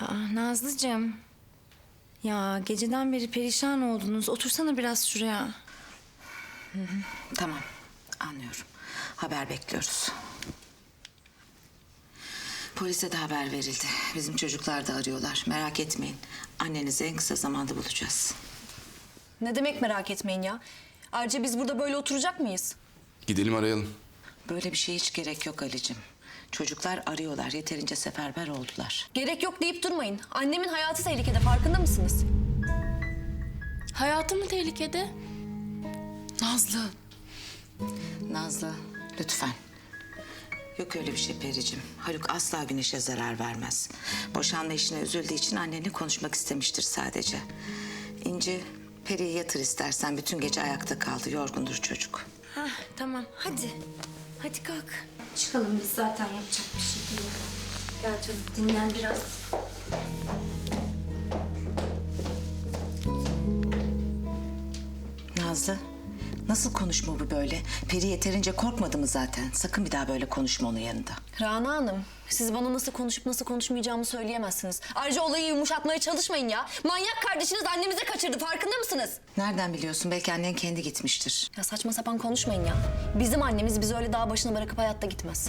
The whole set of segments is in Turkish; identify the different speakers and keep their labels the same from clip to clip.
Speaker 1: Nazlıcığım. Ya geceden beri perişan oldunuz. Otursana biraz şuraya.
Speaker 2: Tamam, anlıyorum. Haber bekliyoruz. Polise de haber verildi. Bizim çocuklar da arıyorlar. Merak etmeyin. Annenizi en kısa zamanda bulacağız.
Speaker 3: Ne demek merak etmeyin ya? Ayrıca biz burada böyle oturacak mıyız?
Speaker 4: Gidelim arayalım.
Speaker 2: Böyle bir şeye hiç gerek yok Ali'cim. Çocuklar arıyorlar. Yeterince seferber oldular.
Speaker 3: Gerek yok deyip durmayın. Annemin hayatı tehlikede, farkında mısınız?
Speaker 5: Hayatı mı tehlikede? Nazlı.
Speaker 2: Nazlı, lütfen. Yok öyle bir şey Pericim. Haluk asla Güneş'e zarar vermez. Boşanma işine üzüldüğü için annenle konuşmak istemiştir sadece. İnci, Peri'yi yatır istersen. Bütün gece ayakta kaldı. Yorgundur çocuk.
Speaker 1: Tamam hadi. Hadi kalk. Çıkalım biz zaten yapacak bir şey değil. Gel canım dinlen biraz.
Speaker 2: Nazlı, nasıl konuşma bu böyle? Peri yeterince korkmadı mı zaten? Sakın bir daha böyle konuşma onun yanında.
Speaker 3: Rana Hanım, siz bana nasıl konuşup nasıl konuşmayacağımı söyleyemezsiniz. Ayrıca olayı yumuşatmaya çalışmayın ya. Manyak kardeşiniz annemizi kaçırdı, farkında mısınız?
Speaker 2: Nereden biliyorsun? Belki annen kendi gitmiştir.
Speaker 3: Ya saçma sapan konuşmayın ya. Bizim annemiz bizi öyle dağ başına bırakıp hayatta gitmez.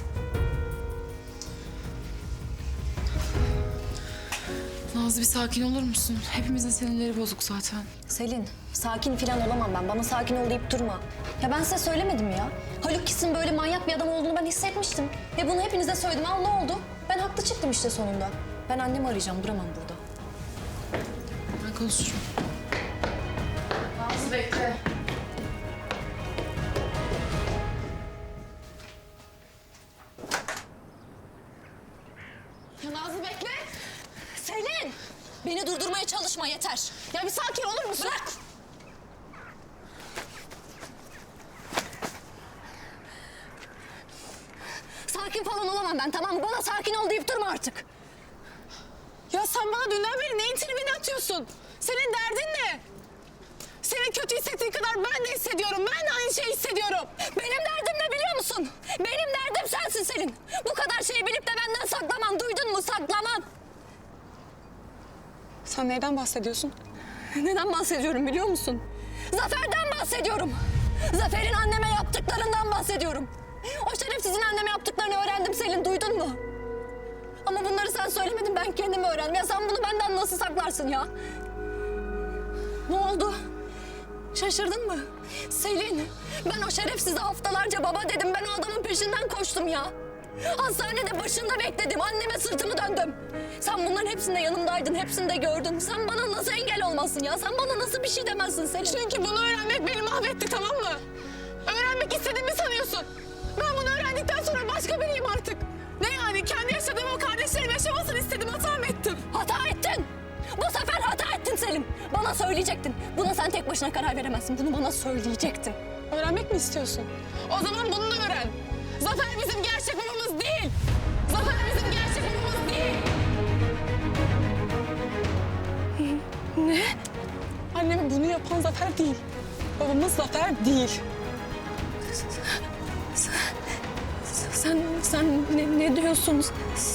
Speaker 5: Nazlı bir sakin olur musun? Hepimizin sinirleri bozuk zaten.
Speaker 3: Selin, sakin falan olamam ben. Bana sakin ol deyip durma. Ya ben size söylemedim ya. Haluk Kis'in böyle manyak bir adam olduğunu ben hissetmiştim. Ve bunu hepinize söyledim. Al ne oldu? Ben haklı çıktım işte sonunda. Ben annemi arayacağım, duramam burada.
Speaker 5: Ben konuşurum. Nazlı bekle.
Speaker 3: Ya Nazlı bekle. Selin! Beni durdurmaya çalışma yeter. Ya bir sakin olur musun? Bırak! Sakin falan olamam ben, tamam mı? Bana sakin ol deyip durma artık.
Speaker 6: Ya sen bana dünden beri neyin tribini atıyorsun? Senin derdin ne? Senin kötü hissettiğin kadar ben de hissediyorum. Ben de aynı şeyi hissediyorum.
Speaker 3: Benim derdim ne biliyor musun? Benim derdim sensin Selin. Bu kadar şeyi bilip de benden saklaman, duydun mu? Saklaman.
Speaker 6: Sen neyden bahsediyorsun?
Speaker 3: Neden bahsediyorum biliyor musun? Zafer'den bahsediyorum. Zafer'in anneme yaptıklarından bahsediyorum. O şerefsizin anneme yaptıklarını öğrendim Selin, duydun mu? Ama bunları sen söylemedin, ben kendim öğrendim. Ya sen bunu benden nasıl saklarsın ya? Ne oldu? Şaşırdın mı? Selin, ben o şerefsize haftalarca baba dedim. Ben o adamın peşinden koştum ya. Hastanede başında bekledim. Anneme sırtımı döndüm. Sen bunların hepsinde yanımdaydın. Hepsini de gördün. Sen bana nasıl engel olmasın ya? Sen bana nasıl bir şey demezsin Selin?
Speaker 6: Çünkü bunu öğrenmek beni mahvetti, tamam mı? Öğrenmek istediğimi sanıyorsun. Ben bunu öğrendikten sonra başka biriyim artık. Ne yani? Kendi yaşadığım o kardeşlerim yaşamasını istedim. Hata mı ettim?
Speaker 3: Hata ettin. Bu sefer hata ettin Selim. Bana söyleyecektin. Buna sen tek başına karar veremezsin. Bunu bana söyleyecektin.
Speaker 6: Öğrenmek mi istiyorsun? O zaman bunu da öğren. Zafer bizim gerçek babamız değil. Zafer bizim gerçek babamız değil. Ne? Anneme bunu yapan Zafer değil. Babamız Zafer değil. Sen ne diyorsun?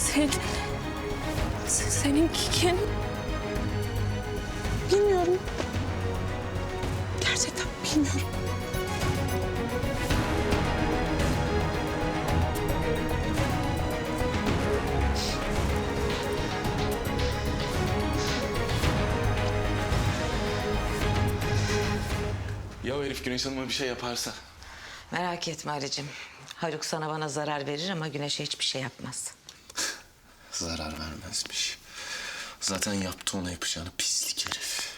Speaker 6: Senin kim? Bilmiyorum. Gerçekten bilmiyorum.
Speaker 4: Ya o herif Güneş Hanım'a bir şey yaparsa?
Speaker 2: Merak etme Ali'cim. Haluk sana bana zarar verir ama Güneş'e hiçbir şey yapmaz.
Speaker 4: Zarar vermezmiş. Zaten yaptı ona yapacağını, pislik herif.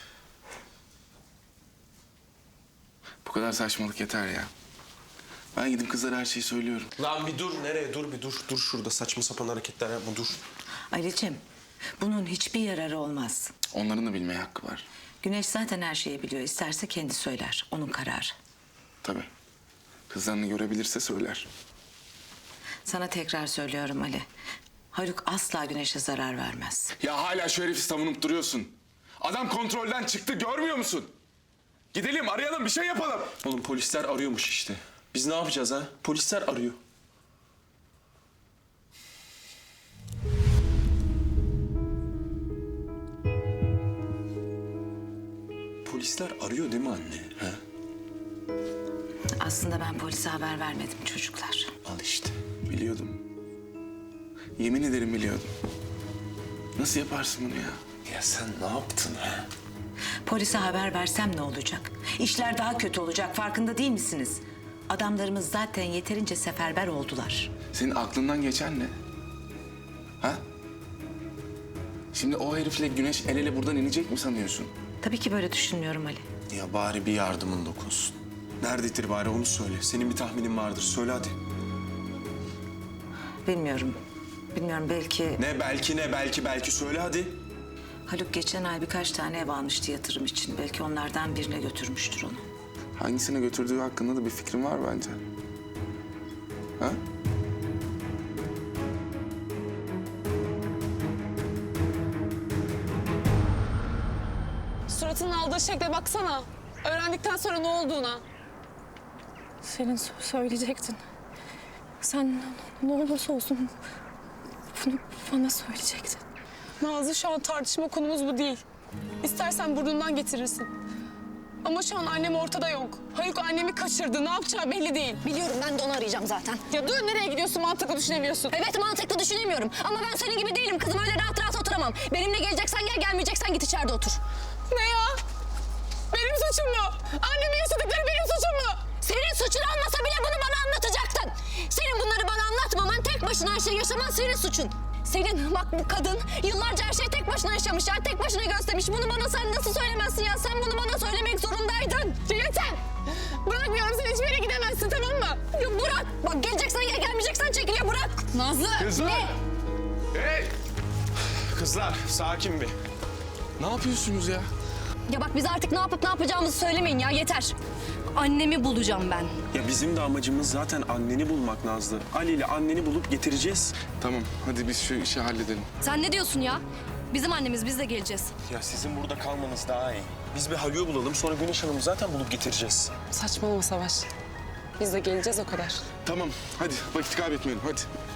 Speaker 4: Bu kadar saçmalık yeter ya. Ben gidip kızlara her şeyi söylüyorum.
Speaker 7: Lan bir dur, nereye? Dur bir dur. Dur şurada saçma sapan hareketler yapma, dur.
Speaker 2: Ali'cim, bunun hiçbir yararı olmaz.
Speaker 4: Onların da bilmeye hakkı var.
Speaker 2: Güneş zaten her şeyi biliyor. İsterse kendi söyler. Onun kararı.
Speaker 4: Tabii. Kızlarını görebilirse söyler.
Speaker 2: Sana tekrar söylüyorum Ali. Haluk asla Güneş'e zarar vermez.
Speaker 4: Ya hala şu herifi savunup duruyorsun. Adam kontrolden çıktı, görmüyor musun? Gidelim, arayalım, bir şey yapalım.
Speaker 7: Oğlum polisler arıyormuş işte. Biz ne yapacağız ha? Polisler arıyor. polisler arıyor değil mi anne? Ha?
Speaker 2: Aslında ben polise haber vermedim çocuklar.
Speaker 7: Al işte.
Speaker 4: Biliyordum. Yemin ederim biliyordum. Nasıl yaparsın bunu ya?
Speaker 7: Ya sen ne yaptın ha?
Speaker 2: Polise haber versem ne olacak? İşler daha kötü olacak, farkında değil misiniz? Adamlarımız zaten yeterince seferber oldular.
Speaker 4: Senin aklından geçen ne? Ha? Şimdi o herifle Güneş el ele buradan inecek mi sanıyorsun?
Speaker 2: Tabii ki böyle düşünmüyorum Ali.
Speaker 7: Ya bari bir yardımın dokunsun. Nerededir bari onu söyle. Senin bir tahminin vardır. Söyle hadi.
Speaker 2: Bilmiyorum. Bilmiyorum, belki
Speaker 7: Belki söyle hadi.
Speaker 2: Haluk geçen ay birkaç tane ev almıştı yatırım için. Belki onlardan birine götürmüştür onu.
Speaker 4: Hangisine götürdüğü hakkında da bir fikrin var bence. Ha?
Speaker 6: Suratının aldığı şekle baksana. Öğrendikten sonra ne olduğuna.
Speaker 3: Selin söyleyecektin. Sen ne olursa olsun bunu bana söyleyecektin.
Speaker 6: Nazlı, şu an tartışma konumuz bu değil. İstersen burnundan getirirsin. Ama şu an annem ortada yok. Haluk annemi kaçırdı. Ne yapacağı belli değil.
Speaker 3: Biliyorum, ben de onu arayacağım zaten.
Speaker 6: Ya dur, nereye gidiyorsun? Mantıklı düşünemiyorsun.
Speaker 3: Evet, mantıklı düşünemiyorum. Ama ben senin gibi değilim kızım. Öyle rahat rahat oturamam. Benimle geleceksen gel, gelmeyeceksen git içeride otur.
Speaker 6: Ne ya? Benim suçum mu? Annemin yaşadıkları benim suçum mu?
Speaker 3: Senin suçun olmasa bile bunu bana anlatacaktın. Senin bunları bana anlatmaman, tek başına her şeyi yaşaman senin suçun. Selin, bak bu kadın yıllarca her şeyi tek başına yaşamış ya, tek başına göstermiş. Bunu bana sen nasıl söylemezsin ya? Sen bunu bana söylemek zorundaydın.
Speaker 6: Yeter! Bırakmıyorum, sen hiçbir yere gidemezsin, tamam mı?
Speaker 3: Ya bırak! Bak geleceksen gel, gelmeyeceksen çekil ya, bırak!
Speaker 6: Nazlı!
Speaker 4: Kızlar! Hey!
Speaker 7: Kızlar sakin bir.
Speaker 4: Ne yapıyorsunuz ya?
Speaker 3: Ya bak, bize artık ne yapıp ne yapacağımızı söylemeyin ya, yeter. Annemi bulacağım ben.
Speaker 7: Ya bizim de amacımız zaten anneni bulmak Nazlı. Ali ile anneni bulup getireceğiz.
Speaker 4: Tamam, hadi biz şu işi halledelim.
Speaker 3: Sen ne diyorsun ya? Bizim annemiz, biz de geleceğiz.
Speaker 7: Ya sizin burada kalmanız daha iyi. Biz bir Haluk'u bulalım, sonra Güneş Hanım'ı zaten bulup getireceğiz.
Speaker 6: Saçmalama Savaş. Biz de geleceğiz, o kadar.
Speaker 4: Tamam, hadi vakit kaybetmeyelim, hadi.